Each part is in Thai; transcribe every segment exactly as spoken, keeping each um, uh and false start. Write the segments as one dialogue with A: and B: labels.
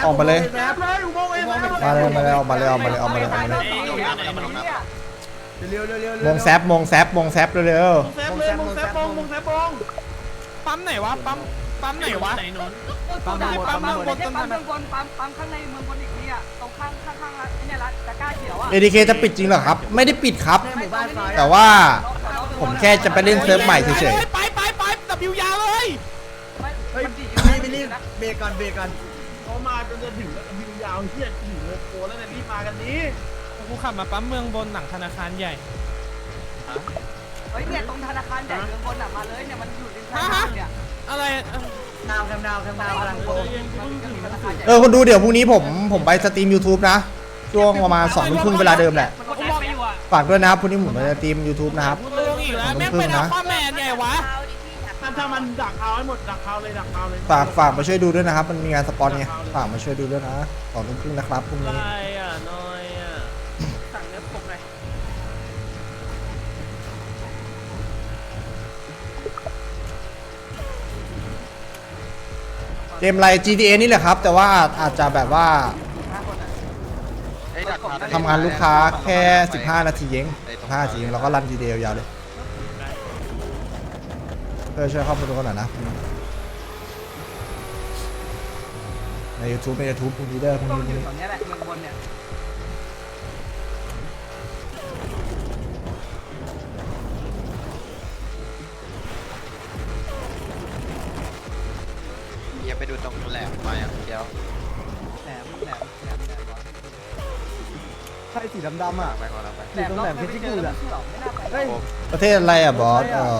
A: ออกมาเลย
B: แซบเลยอุโมงค์เอง
A: มาเลยมาเลยออกมาเลยออกมาเลยออกมาเลยออกมาเลย
B: เร็วเร็วเร็ว
A: มงแซบมงแซบมงแซบเร็ว
B: แซบเลยมงแซบมงมงแซบมง
C: ปั๊มไหนวะปั๊มปั๊มไหนวะ
D: ปั๊ม
C: ปั๊มเมืองบน
D: ปั๊มเมืองบนปั๊มปั๊มข้างในเมืองบนอีกนี่อ่ะตรงข้างข้างข้างร้านเนี่ยร้านตะกร้าเขียวอ่ะ
A: เอดีเคจะปิดจริงเหรอครับไม่ได้ปิดครับ
B: ในหมู่บ้านซ้าย
A: แต่ว่าผมแค่จะไปเล่นเซิร์ฟใหม่เฉย
C: ไปไปไปตับยิวยาวเลย
B: เฮ้ยไม่ไม่รีบเบรกก่อนเบรกก่อนเขามาจนจะถึงแล้ววิวยาวเฮียถึงโลโก้แล้วเนี่ยรีบมากันนี้
C: กูขับมาปั๊มเมืองบนหลังธนาคารใหญ่
D: เฮ้ยเนี่ยตรงธนาคารใหญ่เมืองบนอ่ะมาเลยเนี่ยมันอยู่ริมทางเนี่ย
C: อะไร
B: ดาวแคมดาวแคมดาวกำลังโกง
A: ๆเออคนดูเดี๋ยวพรุ่งนี้ผมผมไปสตรีม YouTube นะช่วงประมาณสองทุ่มครึ่งเวลาเดิมแหละ
D: มันก็แอบไปอยู่อ่ะ
A: ฝากด้วยนะครับพรุ่งนี้ผมไปสตรีม YouTube นะครับ
C: ลงอีกแล้วแม่งเป็นอัลฟาแมนใหญ่วะ
B: ถ้าถ้ามันดักเอาให้หมดดักเอาเลยดักเอาเลย
A: ฝากฝากมาช่วยดูด้วยนะครับมันมีงานสปอนไงฝากมาช่วยดูด้วยนะสองทุ่มครึ่งนะครับพรุ่งนี้
C: อ่ะน้อยอ่ะสั่งเนื้อผมหน่อย
A: เกมอะไร จี ที เอ นี่แหละครับ แต่ว่าอาจจะแบบว่าทำงานลูกค้าแค่สิบห้านาทีเองสิบห้านาทีเองเราก็รัน จี ที เอ ยาวเลยเพื่อช่วยเข้ามาดูกันหน่อยนะใน YouTube ใน YouTube พรุ่งนี้เด้อพรุ่ง
D: ตรง
A: นี้
D: อยู่ตรงนี้แหละเมืองบนเนี่ย
E: อย่าไปดูตรงแหลมมาอย่างเดียว
D: แหลมแหลมแหลมแหลม
B: ใช่สีดำๆอ่ะ
E: ไปก่อนเราไป
D: แหลมรอบไม่ไปเจอแล้วไม่น่าไป
B: เฮ้ย
A: ประเทศอะไรอ่ะบอสเออ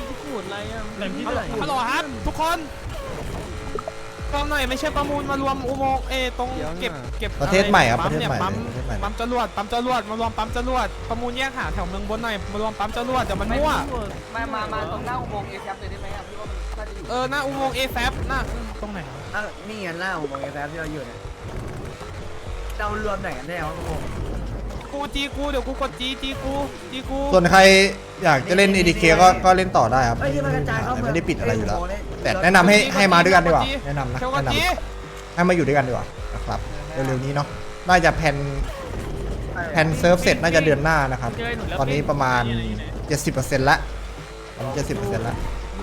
C: ฮัลโหลครับทุกคนฟังหน่อยไม่ใช่ประมูลมารวมอุโมงค์เอตรงเก็บเก็บ
A: ประเทศใหม่ครับประเทศ
C: เนี่ย
A: ใหม่
C: ปั๊ม
A: ประเทศใหม่
C: ปั๊มจรวดปั๊มจรวดมารวมปั๊มจรวดประมูลแยกหาแถวเมืองบนหน่อยมารวมปั๊มจรวดเดี๋ยวมันมั่ว
D: มามามาตรงหน้าอุโมงค์เอฟเลยได้ไหมอ่ะพี่ว่ามันน่าจะอยู่
C: เออหน้าอุโมงค์เอแซฟหน้าตรงไหน
B: อ่ะนี่ไงหน้าอุโมงค์แซบที่เราอยู่เนี่ยเรารวมไหนกันแน่วะพวก
C: กูจีกูเดี๋ยวกูกดจีจีกูจีกู
A: ส่วนใครอยากจะเล่น เอ ดี เค ก็ก็เล่นต่อได้ครับ
B: เฮ้ยที่มันกระจายเข้า
A: ไม่ได้ปิดอะไรอยู่แล้ว แต่แนะนำให้ให้มาด้วยกันดีกว่าแนะนำนะ
C: เทวก
A: แนะน
C: จี
A: ำให้มาอยู่ด้วยกันดีกว่านะครับเร็วๆนี้เนาะน่าจะแผนแผนเซิร์ฟเสร็จน่าจะเดือนหน้านะครับตอนนี้ประมาณ เจ็ดสิบเปอร์เซ็นต์ ละตอนนี้เจ็ดสิบเปอร์เซ็นต์ ละ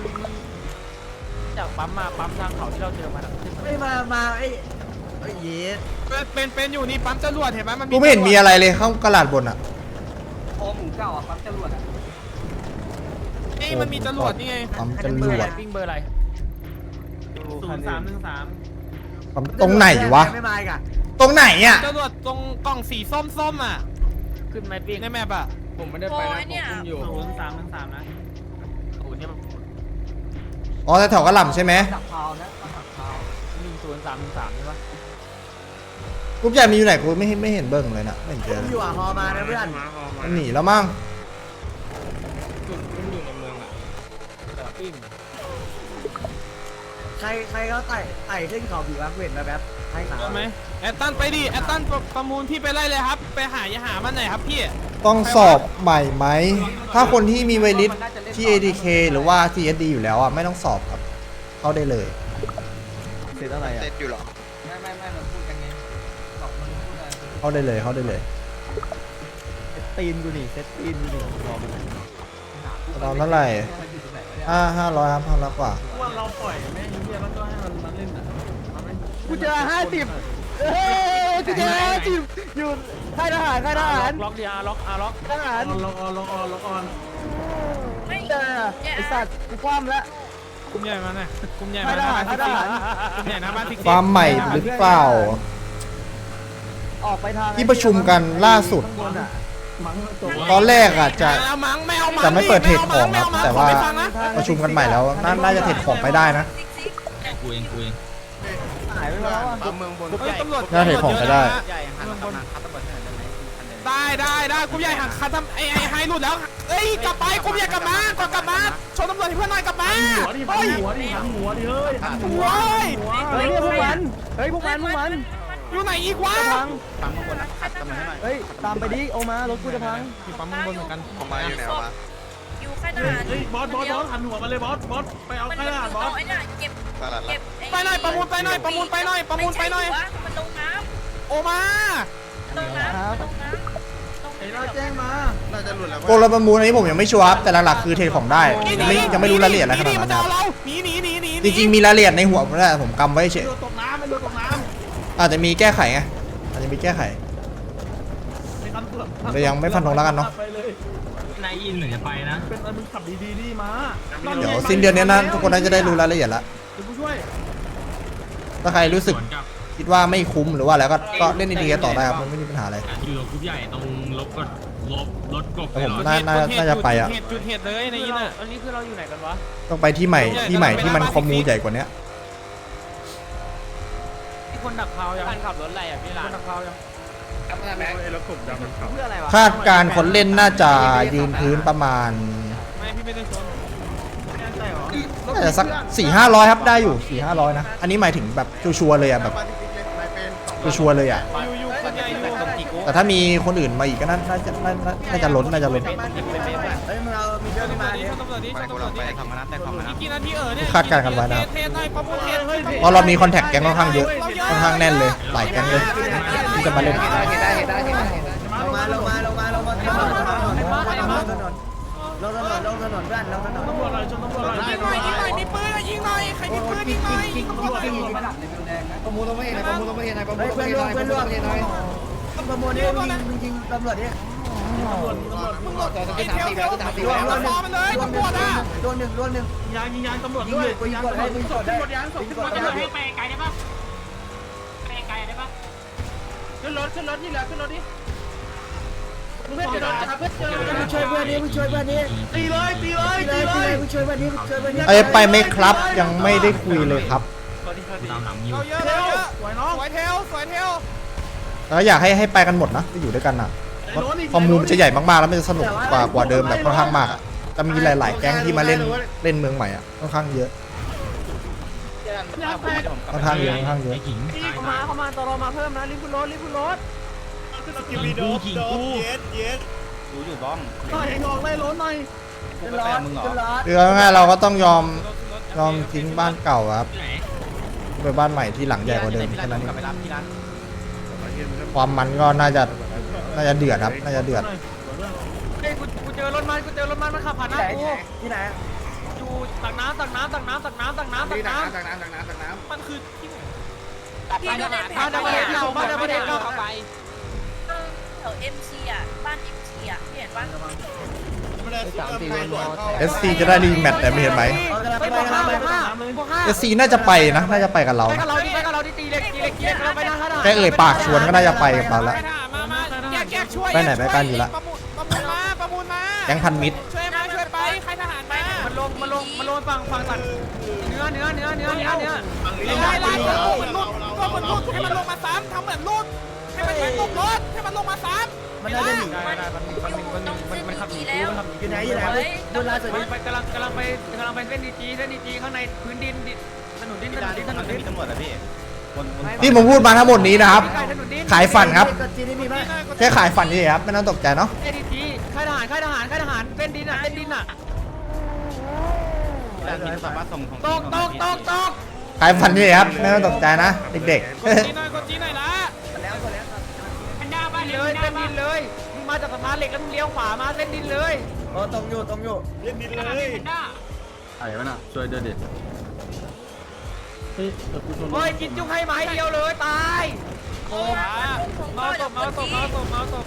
C: จากปั๊มมาปั๊มทางเขาที่เราเจอมา
B: เฮ้ยมามาไอ้ไอ้เย็ด
C: เป็นเป็นอยู่นี่ปั๊มจรวดเห็นไหมมัน
A: กูไม่เห็นมีอะไรเลยเข้ากระดาษบนอ่ะ
D: โอหมูเก่าอ่ะปั๊มจรวดอ่ะ
C: นี่มันมีจรวดนี่ไง
A: ปั๊มจรวด
C: ปิ้งเบอร์อะไรศูนย์สามหนึ่งสาม
A: ปั๊มตรงไหนวะ
B: ไม่มาอีกอ่ะ
A: ตรงไหนอ่ะ
C: จรวดตรงกล่องสีส้มส้มอ่ะขึ้นไหมปิ้งในแมปอ่ะ
F: ผมไม่ได้ไปนะผมคุมอยู่
C: ศูนย์สามหนึ่งสามนะศูนย์เนี่ย
A: อ๋อแถวๆกระหล่ำใช่ไหม
D: ดักพาวนะดักพาว
C: หนึ่งศูนย์สามหนึ่งสามใช่ปะ
A: กรุ๊ปใหญ่มีอยู่ไหนกูไม่เห็นไม่เห็นเบิ้งเลยนะไม่เห็นเจอ
B: ผม
A: เลย
B: อยู่อ่ะฮอมานะเพื่อน
A: มันหนีแล้วมั้ง
F: จุดมันอยู่ในเมืองอ่ะ
C: เดี๋ยวปิ้ง
B: ใครใครเขาไต่ไต่ขึ้นเขาผีวะเว้นมาแบบให้ขา
C: ใช่ไหมแอตตันไปดิแอตตันประมูลพี่ไปไล่เลยครับ ไปหาอย่าหามันหน่อยครับพี่
A: ต้องสอบใหม่ไหมถ้าคนที่มีไวลิสที่ เอ ดี เค หรือว่า ซี เอส ดี อยู่แล้วอ่ะไม่ต้องสอบครับเข้าได้เลย
B: เสร็จอะไรอ่ะ
E: เซ็ตอยู่หรอ
D: ไม่ไม่ไม่มันพูดกันไงหลอกมันพูดอะไร
A: เข้าได้เลยเข้าได้เลย
B: ตีนกูนี่เซตตีนกูนี่รอมัน
A: ตอนเท่าไหร่ห้าห้าร้อยครับห้าร้อยกว่า
B: ว่าเราปล่อยแม่ยิ้มเยี่ยมแล้วก็ให้มันมาเล่นอ่ะกูเจอห้าสิบเฮ้ยกูเจอห้าสิบอยู่ค่ายทหารค่ายทหาร
C: ล็อกดีอาร์ล็อกอาร์ล็อก
B: ทหารลงออนลงออนลงออนไม่เจอไอสัตว์กูคว่ำแล้ว
C: กลุ่มใหญ่มาหน่อยกลุ่มใหญ่มาหน้าบ้านทิกซี่กลุ่มใหญ่หน้าบ้านทิกซี่
A: ความใหม่หรือเปล่า
B: ออกไปทาง
A: ที่ประชุมกันล่าสุด
B: ข้างบนอ่ะมั้งจบ
A: ตอนแรกอ่ะจะ
C: เอามังไม่เอามัง
A: จะไม่เปิดเทรดของครับแต่ว่า
C: ขอไปฟังนะ
A: ประชุมกันใหม่แล้วน่าน่าจะเทรดของไปได้นะ
F: กูเองกูเอง
B: หายไปแล้วอ่ะ
E: ปั๊มเมืองบน
C: เฮ้ยตำรวจ
A: น่าเทรดของไปได้
E: ใหญ่หันกำลังคัดตำรวจให้หน่อยได้ไหม
C: ได้ได้ได้กลุ่มใหญ่หักคันทำไอ้ไอ้ไฮหลุดแล้วเอ้ยกลับไปกลุ่มใหญ่กลับมาก่อนกลับมาชนตำรวจให้เพื่อนหน่อยกลับมา
B: หัวดิ
C: เฮ้ย
B: หัวดิหันหัวดิเฮ้ยหันหั
C: หั
B: ว
C: วเฮ้ย
B: เฮ้ยพวกมันเฮ้ยพวกมันพวกมัน
C: อยู่ไหนอีกวะ
B: จะพัง
E: ปั๊มเมืองบนนะคัดตำรวจให้หน่อย
B: เฮ้ยตามไปดิโอมารถกูจะพัง
C: มีปั๊มข้างบนเหมือนกัน
E: ออกมาอยู่ไหนออกมา
G: อยู่ค่ายทหาร
B: เฮ้ยบอสบอสบอสหันหัวมาเลยบอสบอสไปเอา
G: มัน
B: ค่ายทหารบอส
G: เอาไอ้เนี่ยเก็บ
E: ตลาด
G: เก็บ
C: ไปหน่อยประมูลไปหน่อยประมูลไปหน่อยประมูลไปหน่อย
G: มันลงน้
C: โอมา
G: ำลงน้ำลงน้ำลง
B: ไอ้เราแจ้งมา
E: น่าจะหลุดแล้ว
A: โกลประมูลอันนี้ผมยังไม่ชัวร์ครับแต่หลักๆคือเทรดของได้ยังไม่ยังไม่รู้รายละเอียดอะไรขนาด
C: มั
A: นั้น
C: จะ
A: นะ
C: เอาเราหนีหนีหนีหนี
A: จริงๆมีรายละเอียดในหัวผมแหละผมกำไว้เฉย
B: เรือตกน้ำไม่เรือตกน้
A: อาจจะมีแก้ไขไงอาจจะมีแก้ไข
B: ำไม่ทันเกือบ
A: แต่ยังไม่ฟันธงแล้วกันเนอะ
B: ไปเลย
F: นายอินเหมือนจะไปนะ
B: เป็นอะไรมึงขับดีๆดีมา
A: เดี๋ยวสิ้นเดือนนี้นะทุกคนน่าจะได้รู้รายละเอียดแล้ว
B: เดี๋ยวกูช่วย
A: ถ้าใครรู้สึก
F: สวนกับ
A: คิดว่าไม่คุ้มหรือว่าอะไรก็ก็เล่นดีๆกันต่อได้ครับมันไม่มีปัญหาอะไร
F: อ่ะอยู่กรุ๊ปใหญ่ตรงลบกดลบรถกบ
A: แต่ผม
F: ไป
A: น่า
F: เหรอ
A: น่าน่าจะไปอ่ะ
C: จุดเหตุจุดเหตุเลยในอินอ่ะ
B: อันนี้คือเราอยู่ไหนกันวะ
A: ต้องไปที่ใหม่ที่ใหม่ที่มันคอมมูใหญ่กว่านี้
B: ที่คนดักพาวยังคนขับรถอะไรอ่ะพี่หลานคนดักพาวยัง
D: เพื่ออะไรวะ
A: คาดการณ์คนเล่นน่าจะยืนพื้นประมาณ
C: ไม่พี่ไม่ได้ชน
B: แน่ใจเหรอ
A: น่าจะสักสี่ห้าร้อยครับได้อยู่สี่ห้าร้อยนะอันนี้หมายถึงแบบชัวร์ๆเลยอ่ะแบบชัวร์ๆเลยอ่ะ
C: อยู่อยู่คนใหญ่อยู่
A: แต่ถ้ามีคนอื่นมาอีกก็น่าน่าจะน่าน่าน่าจะล้นน่าจะล้น
D: เฮ้ยมึงเอามีเรื่องมาดิ
C: ตำรวจดิ
E: ไป
C: ตำ
E: กู
C: รว
E: ลอ
C: จ
E: ง
C: ดิ
E: ไปทำมานัดแต่ทำมานัด
C: อีกกี่นาทีเออเนี่ย
A: คาดการณ์กันไว้นะครับ
C: เทสหน่อยประมูลเทส
A: เพราะเรามีคอนแทคแก๊งค่อนข้างเยอะค่อนข้างแน่นเลยหลายแก๊งเลยที่จะมาเล่น
D: เห็นได้เห็นได้เห็นได้เห็นได้ลงมาลงมาลงมาลงมาลงมาลงถนนลงถนนลงถนนลงถนนเพื่อนลงถนน
B: ตำรวจอะไรชนตำรวจอะไร
C: ยิงหน่อยยิงหน่อยมีปืนอะยิงหน่อยใครมีปืนยิงหน่อย
D: ตำรวจยิงระดับเลเวลแดงนะประมูลต้องไม่เห็นประมูลต้องไม่เห็นประมูลเพื่อนร่วมเพื่อนร่วมประมูลนี่ยิงยิงตำรวจนี่
B: ตำรวจตำรวจ
C: มึงหลดไอ้เทลเทลรวมรวมมันเลยตำรวจอ่ะ
D: รวมหนึ่งรวมหนึ่ง
B: ยางยิงยางตำรวจ
D: ยิง
B: ด้ว
D: อย ยู่กูยิงกดให้กูยิงกดได้
B: ตำรวจยางส่งตำรวจยาง
C: ไปไกลได้ปะไปไกลได้ปะ
B: ขึ้นรถขึ้นรถนี่แหละขึ้นรถนี่เพื่อนจะโดนจับเพื่อนเจอ
D: มึงช่วยเพื่อนนี้มึงช่วยเพื่อนนี้
B: ตีเลยตีเลย
D: ตี
B: ตี
D: เลย
B: เล
D: ตีเลย
B: ย
D: มึงช่วยเพื่อนนี้มึงช่วยเพื่อนนี้
A: ไอ้ยไปไหมครับยังไม่ได้คุยเลยครับ
F: ตามหลังอยู่
C: เอาเยอะ
B: เท
C: เอา
B: ล
C: เยอะ
B: สวยน้อง
C: สวยเทลสวยเทล
A: แล้วอยากให้ให้ไปกันหมดนะที่อยู่ด้วยกันอ่ะคอมมูมันจะใหญ่มากๆแล้วมันจะสนุกกว่ากว่าเดิมแบบค่อนข้างมากอะจะมีหลาย ๆ แก๊งที่มาเล่นเล่นเมืองใหม่อ่ะค่อนข้างเยอะ
B: ยางแตก
A: ค่อนข้างเยอะค่อนข้างเยอะ
F: ไอ้ขิงตาย
B: เข้ามาเข้ามาตลอมาเพิ่มนะรีบขึ้นรถรีบขึ้นรถ
F: ขิงกูขิงกู
E: ดูอยู่บ้อง
B: หน่อยงอกไล่รถหน่อย
D: ขึ้นรถขึ้นรถ
A: คือเอาง่ายๆเราก็ต้องยอมยอมทิ้งบ้านเก่าครับ
F: ที่ไหน
A: ไปบ้านใหม่ที่หลังใหญ่กว่าเดิมแค่นั้นเอง
E: ไปรับที่ร้าน
A: ความมันก็น่าจะน่าจะเดือดครับน่าจะเดือด
B: เฮ้ยกูกูเจอรถมันกูเจอรถมันมันขับผ่านหน้า
D: ไหน
B: กู
D: ที่ไหน
B: อยู่ตักน้ำตักน้ำตักน้ำตักน้ำตักน้ำตักน้ำ
E: ตักน้ำตักน้ำตักน้
C: มันคือที่ไหน
G: พี่ดูในแผ
B: บ้าน
G: น
B: ดับเบิลเฮดเก่าบ้านดับเบิลเฮดเก่า
C: ไป
G: แถวเอ็มซีอ่ะบ้านเอ็มซีอ่ะพี่เห็นปะ
A: เอสซีจะได้รีแมตช์แต่ไม่เห็นไหม
B: ไปบวกห้าบวกห้าบวกห้า
A: เอสซีน่าจะไปนะน่าจะไปกับเรา
B: ไปกับเราดิไปกับเราดิตีเล็กตีเล็กตีเล็กเราไปนะ
A: แค่เอ่ยปากชวนก็น่าจะไปกับเราแล้ว
C: มามาแยกแยกช่วย
A: ไปไหนไปกันอยู่ละ
C: ประมูลประมูลมาประมูลมา
A: แก๊งพันมิตร
C: ช่วยมาช่วยไปใครทหารมา
B: มันลงมันลงมันลงฝั่งฝั่งตัดเนื้อเนื้อเนื้อเนื้อเนื้อเนื้อ
C: ไล่ไล่ตัวเหมือนลุดตัวเหมือนลุดให้มันลงมาซ้ำทำเหมือนลุดให้มันแทงตกรถให้มันลงมาซ้ำ
D: มันน่าจะหนี
B: ได้ได้มันมันมันมันมันขับหนีกูมันขับหนี
D: อยู่ไหนอยู่ไหนดูล่าสุด
B: ไป
D: นี้
B: ไปกำลังกำลังไปกำลังไปเส้นดีจีเส้นดีจีข้างในพื้นดินถนนดินถนนดินถนนดิน
E: ำตำรวจอะพี่บนบน
A: ที่ผมพูดมาทั้งหมดนี้นะครับ
B: ถนนดิน
A: ขายฝันครับ
D: จีนี่มีไหม
A: แค่ขายฝันนี่ครับไม่ต้องตกใจเนาะ
B: เส้นดีจีค่ายทหารค่ายทหารค่ายทหารเส้นดินอ่ะเส้นดินอ่ะ
E: ร้านมีสามารถส่งของ
B: ตกตกตกตก
A: ขายฝันนี่ครับไม่ต้องตกใจนะเด็ก
C: กดจีหน่อยกดจีหน่อยละ
D: แล้วก็แล้ว
C: มันด้าบ้าน
B: เลยเส้นดินเลยมึงมาจากสะพานเหล็กแล้วมึงเลี้ยวขวามาเส้นดินเลย
D: โอ้ตรงอยู่ตรงอยู่
F: ไอ้วะน่ะช่วยด้วยดิ
B: เฮ้ยกินจุ้งให้ไม้เดียวเลยตาย
G: โอ้ย
C: เมาตบเมาตบเมาตบเมาตบ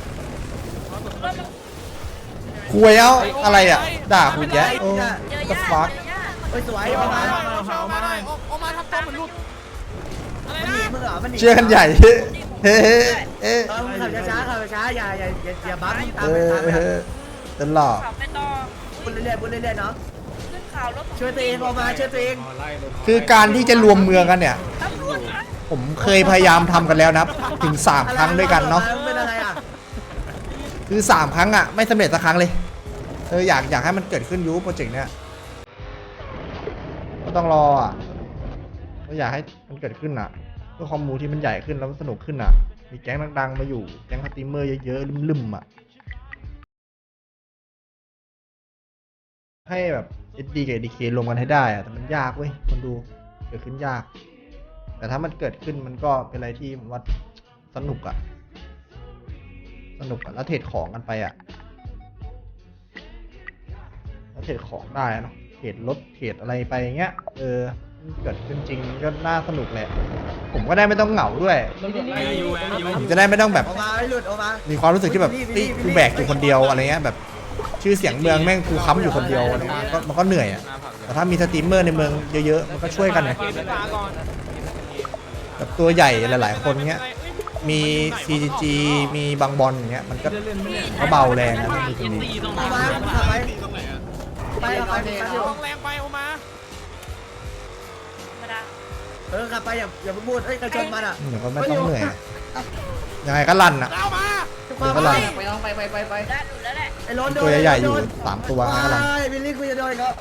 A: ๆคุยเอาอะไรอ่ะด่าคุยแยะโอ้
G: เจอ
A: the
G: ญา
A: fuck
G: ติเจอญาติ
D: เฮ้ยสวย
C: เอา
D: ประ
C: มา
D: มาณ
C: เอามาหน่อยเอามาทำตัวเหมือนลุดอะไร
D: มันหนี
C: นะ
D: มึงเหรอมันหนี
A: เชื่อกันใหญ่เฮ้เฮ้เอ๊ะ
D: เออมึงขับช้าๆขับช้าๆอย่าอย่าอย่าอย่าบั๊มตา
A: เอ
D: มไป
A: อ
D: ตามไป
A: เออตลอด
G: ขับไปต่อ
D: บุญเรื่อยๆบุญเรื่อยๆเนาะ
G: ขึ้นข่าวรถ
D: ช่วยตัวเองออกมาช่วยตัวเอง
A: คือการที่จะรวมเมืองกันเนี่ย
G: ตำรวจนะ
A: ผมเคยพยายามทำกันแล้วนะครับ ถึงสามครั้งด้วยกันเนาะ
D: เป็นอะไรอ่ะ
A: คือสามครั้งอ่ะไม่สำเร็จสักครั้งเลยเอออยากอยากให้มันเกิดขึ้นยูโปรเจกต์เนี้ยก็ต้องรออ่ะก็อยากให้มันเกิดขึ้นอ่ะเพื่อคอมมูที่มันใหญ่ขึ้นแล้วมันสนุกขึ้นอ่ะมีแก๊งดังๆมาอยู่แก๊งสตรีมเมอร์เยอะๆลืมๆอ่ะให้แบบ เอส ดี กับ เอ ดี เค รวมกันให้ได้อะแต่มันยากเว้ยคนดูเกิดขึ้นยาก แต่ถ้ามันเกิดขึ้นมันก็เป็นอะไรที่ผมว่าสนุกอะสนุกอะแล้วเทรดของกันไปอะแล้วเทรดของได้เนาะเทรดรถเทรดอะไรไปอย่างเงี้ยเออมันเกิดขึ้นจริงก็น่าสนุกแหละผมก็ได้ไม่ต้องเหงาด้วย ผมจะได้ไม่ต้องแบบ
D: ออกมาไม่หลุดออกมา
A: มีความรู้สึกที่แบบเฮ้ยกูแบกอยู่คนเดียวอะไรเงี้ยแบบชื่อเสียงเมืองแม่งกูค้ำอยู่คนเดียวอะไรเงี้ยก็มันก็เหนื่อยอ่ะแต่ถ้ามีสตรีมเมอร์ในเมืองเยอะๆมันก็ช่วยกันไง
C: เกมไฟฟ้าก่อน
A: แบบตัวใหญ่หลายๆคนเงี้ยมี ซี จี จี มีบางบอลอย่างเงี้ยมันก็ก็เบาแรงนะมันมีตรงนี้
F: ตีตรง
D: อ
F: นั้
D: อก
F: น
D: มาขับไปไปขับไป
C: ลงแรงไปโอมา
G: ธรรมดา
D: เออขับไปอย่าอย่าพูดเฮ้ยใครชนมันอ่ะ
A: เดี๋ยวก็ไม่ต้องเหนื่อยอะยังไงก็ลั่นอ่ะ
C: เอามา
A: เดี๋ยวก็ลั่น
D: ไปต้องไปไปไปไป
G: ได้หลุดแล้วแหละ
D: ไอ้ล้นโดน
A: ตัวใหญ่ๆอยู่สามตัวงั้นก็ลั่น
D: บิลลี่คุยจะโดนครับ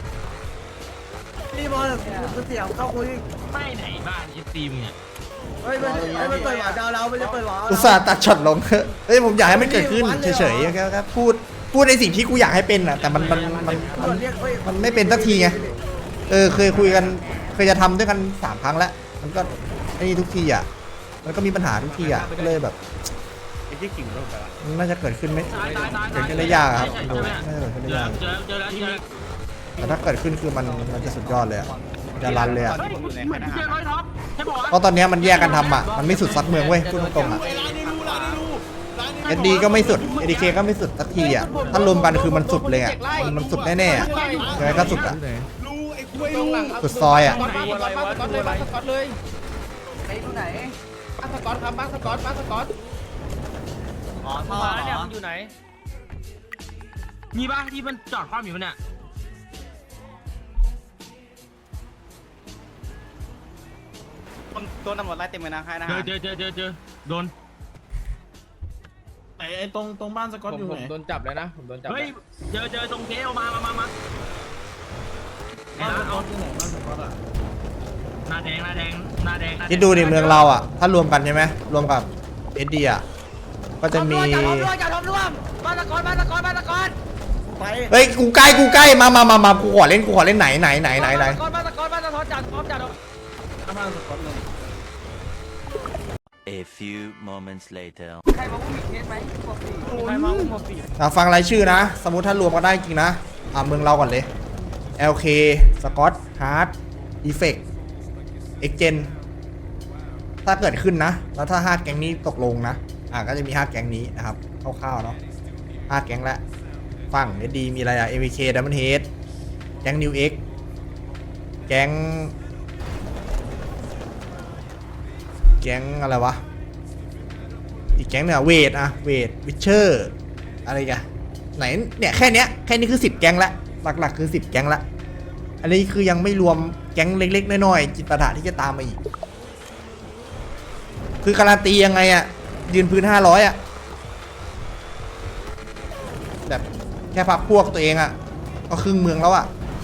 D: นี่บอลกูเสียวเข้าคุย
F: ไม่ไหนบ้านเอฟซีมึงเนี่ย
D: เฮ้ยมันเฮ้ยมันเปิดหวานดาวเรามันจะเปิดหวาน
A: อุตส่าห์ตัดช็อตลงเฮ้ยผมอยากให้มันเกิดขึ้นเฉยๆแค่แค่พูดพูดในสิ่งที่กูอยากให้เป็นอ่ะแต่มันมันมันมัน
D: เรียกเฮ้ย
A: มันไม่เป็นสักทีไง เออเคยคุยกันเคยจะทำด้วยกันสามครั้งแล้ว มันก็ไอ้นี่ทุกทีอ่ะ มันก็มีปัญหาทุกทีอ่ะก็เลยแบบ
E: ไอ้ที่กิ่งลงไปละ
A: มันน่าจะเกิดขึ้นไหม
F: ตายตายตาย
A: เกิดขึ้นได้ยากอะครับดูน่าจะเกิดขึ้นได้ยาก
F: เจอเจอแล้วเจอแล้ว
A: แต่ถ้าเกิดขึ้นคือมันมันจะสุดยอดเลยอะมันจะรันเลยอ่ะ
F: เฮ้ยเหมือนเจอร้อยท็อปใช่ปะ
A: เพราะตอนเนี้ยมันแยกกันทำอ่ะมันไม่สุดสักเมืองเว้ยพูดตรงๆอ่ะ เอส ดี ก็ไม่สุด เอ ดี เค ก็ไม่สุดสักทีอ่ะถ้ารวมกันคือมันสุดเลยอ่ะมันมันสุดแน่ๆอะยังไงก็สุดอ่ะ
C: ลูไอ้คุยลู
A: สุดซอยอ่ะ
C: สก๊อตบ้าสก๊อตเลยบ้าสก๊อตเลย
D: ไอ้ที่ไหน
C: บ้าสก๊อตครับบ้าสก๊อตบ้าสก๊อต
F: อ๋อท่อเนี่ยมันอยู่ไหนมีบ้างที่มันจอดความอยู่เนี่ย
E: ตัวตำรวจไล่เต็มเลยนะค่ายนะ
F: เจอเจอเจอเจอเจอโดน
B: ไอ้ตรงตรงบ้านสกอตอยู่ไหน
H: โดนจับเลยนะผมโดนจับ
F: เฮ้ยเจอเจอตรงเทลมามามามา
B: บ้านสก
F: เอา
B: อตอยู่ไหนบ้านสกอตอ่ะ
F: หน้าแดงหน้าแดงหน้าแดง
A: คิดดูดิเมืองเราอ่ะ ถ้ารวมกันใช่ไหมรวมกับ เอส ดี อ่ะ ก็จะมี
D: จับร่วมจับร่วมบ้านสกอตบ้านสกอตบ้านสกอตไป
A: เฮ้ย กูใกล้ กูใกล้ มามามามากูขอเล่น กูขอเล่นไหนไหนไหนไหนไหน
D: บ้านสกอตบ้านสกอตจัดพร้อมจัด
B: บ้านสกอตเลย
I: A few moments later.
D: ใครมาอุ้มอีกเคสไหมปกติ
C: ใครมาอุ้มมาปี
A: อ่ะฟังรายชื่อนะ สมมุติถ้ารวมกันได้จริงนะ อ่ะเมืองเราก่อนเลย แอล เค สกอต ฮาร์ด อีเฟก เอ็กเจน ถ้าเกิดขึ้นนะ แล้วถ้าห้าแก๊งนี้ตกลงนะ อ่ะก็จะมีห้าแก๊งนี้นะครับ คร่าวๆเนาะห้าแก๊งละฝั่ง เอส ดี มีอะไรอ่ะ เอ วี เค Diamond Head แก๊ง New X แก๊ง แก๊งอะไรวะ อีกแก๊งเนี่ยเวทอะเวทวิเชอร์อะไรกันไหนเนี่ยแค่เนี้ยแค่นี้คือสิบแก๊งละหลักๆคือสิบแก๊งละอันนี้คือยังไม่รวมแก๊งเล็กๆน้อยๆจิตประทะที่จะตามมาอีกคือการันตียังไงอะยืนพื้นห้าร้อยอะแบบแค่พักพวกตัวเองอะก็ครึ่งเมืองแล้วอะ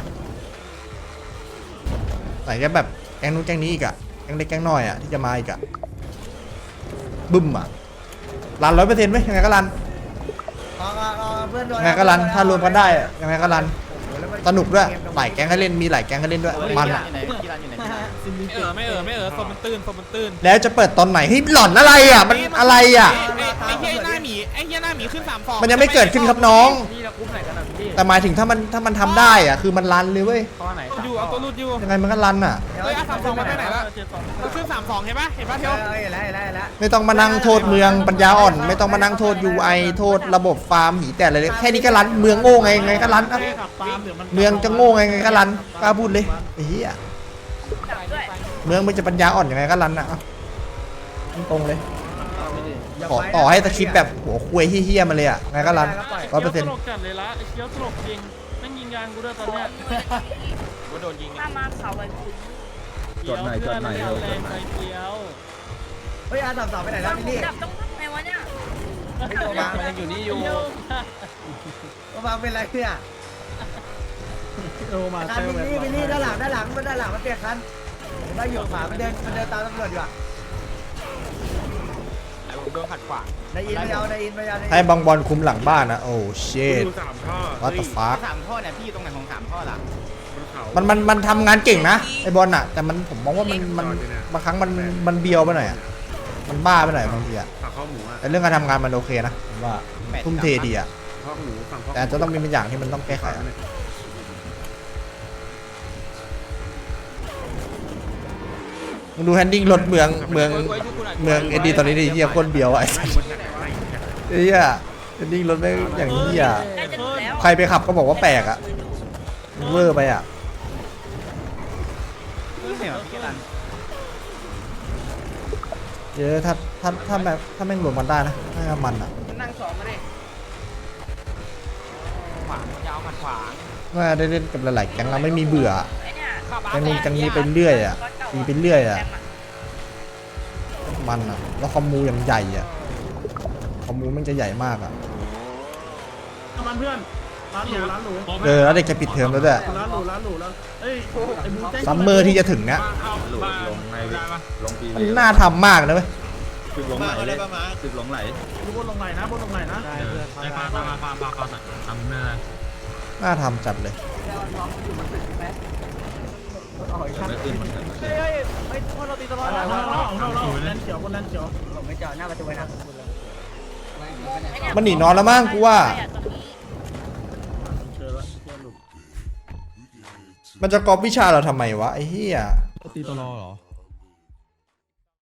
A: ไหนจะแบบแก๊งนู้นแก๊งนี้อีกอะแก๊งเล็กแก๊งน้อยอะที่จะมาอีกอะบึ้มอะรันร้อยเปอร์เซ็นต์ไหมยังไงก็รัน
D: เพื่อน
A: ยังไงก็รันถ้ารวมกันได้อะยังไงก็รันสนุกด้วยหลายแก๊งให้เล่นมีหลายแก๊งให้เล่นด้วยมันอะ
C: ไม่เออไม่เออไม่เออสมมันตื้นสมมันตื้น
A: แล้วจะเปิดตอนไหนเฮ้ยหล่อนอะไรอ่ะมันอะไรอ่ะ
C: ไอ้เฮียหน้าหมีไอ้เฮียหน้าหมีขึ้นสามฟอง
A: มันยังไม่เกิดขึ้นครับน้อง
B: พี่เราคุ้มไหนกันอ่ะพี่
A: แต่หมายถึงถ้ามันถ้ามันทำได้อ่ะคือมันรันเลยเว้ย
B: ข้อไหน
C: อยู่เอาตัวรูดอยู่
A: ยังไงมันก็รันอ่ะ
C: เฮ้ยเอาสามฟองมาไปไหนละมันขึ้นสามฟองเห็นปะเห็นปะเทียว
D: เฮ้ยแล้วแล้วแล้ว
A: ไม่ต้องมานั่งโทษเมืองปัญญาอ่อน ไม่ต้องมานั่งโทษ ยู ไอ โทษระบบฟาร์มหีแต่อะไรเลยแค่นี้ก็รันเมืองโง่ไงไงก็รันอ่ะเมืองจะโง่ไงไงก็รันกล้าพูดเลยไอ้เหี้ย
G: จับด้วย
A: เมืองมันจะปัญญาอ่อนยังไงก็รันอ่ะเอาตรงๆเลยขอต่อให้สคริปต์แบบหัวคุยเฮี้ยๆมาเลยอ่ะไงก็รันร้อยเปอร์เซ็นต์
B: ตลกจัดเลยละไอ้เคี้ยวตลกจริงแม่งยิงยางกูด้วยตอนเนี้ย
C: กูโดนยิง
G: ถ้ามาเขาไอ้คุณ
B: จดหน่อยจดหน่อยแรงไปเคี้ยว
D: เฮ้ยอาสามสามไปไหนแล้วพี่นี่
G: ดับต้องทำไงวะเนี่ย
D: ไม่โดนมามันยังอยู่นี่อยู่โดนมาเป็นไรเนี่ย
B: โอมา
D: คันพี่นี่พี่นี่ด้านหลังด้านหลังมันด้านหลังมันเปลี่ยนคันมันอยู่ขวามันเดินมันเดินตามตำรวจอยู่อ่ะ
E: ไ
C: โดนขัดขวาง
D: นายอินไม่เอานายอินไม่เอา
A: ให้บางบอลคุมหลังบ้านนะโอ้เชด
F: สามท่อ
A: วัตถุฟ้า
E: สามท่อเนี่ยพี่อยู่ตรงไหนของสามท่อล่ะ
A: มันมันมันทำงานเก่งนะไอบอลอะแต่มันผมมองว่ามันมันบางครั้งมันมันเบียวไปหน่อยอะมันบ้าไปหน่อยบางทีอะ
F: ฝั่งข้อหมูอ่ะ
A: แต่เรื่องการทำงานมันโอเคนะผมว่าทุ่มเทดีอะ
F: ข้อหมูฝั่งข้อ
A: แต่จะต้องมีบางอย่างที่มันต้องแก้ไขอะมึงดูแฮนดิ้งรถเมืองเมืองเมืองเอ็ดดี้ตอนนี้ดิเฮียโคตรเบียวอะไอ้สัสเฮียแฮนดิ้งรถไม่งอย่างเฮีย
G: ใกล้จะถึงแล้ว
A: ใครไปขับก็บอกว่าแปลกอะมันเวอร์ไปอะ
E: ไม่เหรอพี่รัน
A: เยอะถ้าถ้าถ้าแบบถ้าแม่งรวมกันได้นะน่าจะมันอะ
E: นั่งสองมาดิ
C: ขวางยาวขัดขวาง
A: ว่าได้เล่นกับหลายๆแก๊งเราไม่มีเบื่อ
G: ไอ้เนี่ย
A: แก๊งนู้นแก๊งนี้ไปเรื่อยอะมีไปเรื่อยอะมันอะแล้วคอมมูอย่างใหญ่อะคอมมูมันจะใหญ่มากอะ
F: มันเพื่อนร้านหรูร้านหรู
A: เออแล้วเด็กจะปิดเทอมแล้วด้วย
F: ร้านหรูร้านหรูแล้วเอ้ยไอ้บูเต้
A: ซัมเมอร์ที่จะถึงเนี้ย
F: ลงลงในลงปี
A: มันน่าทำมากนะเว้ย
F: ตึกลงไหลเลยตึกลงไหลบนลงไหลนะบนลงไหลนะ
B: ได้เพื่อน
F: ไอ้ปลาปลาปลาปลาปลาทำเนื้อ
A: น่าทำจัดเลย
F: ไม่ขึ้นเหมือนกัน
B: เฮ้ยเฮ้ยเฮ้ยพวกเราตีตลอด
F: เรา
B: นะ
F: เราเราเราแลนเขียวบนแลนเขียว
D: ผมไม่เจอหน้าประตูไว้นะ
A: มันหนีนอนแล้วมั้งกูว่า
F: เจอแล้วเจอหลุด
A: มันจะก๊อปวิชาเราทำไมวะไอ้เหี้ย
F: ตีตลอเหรอ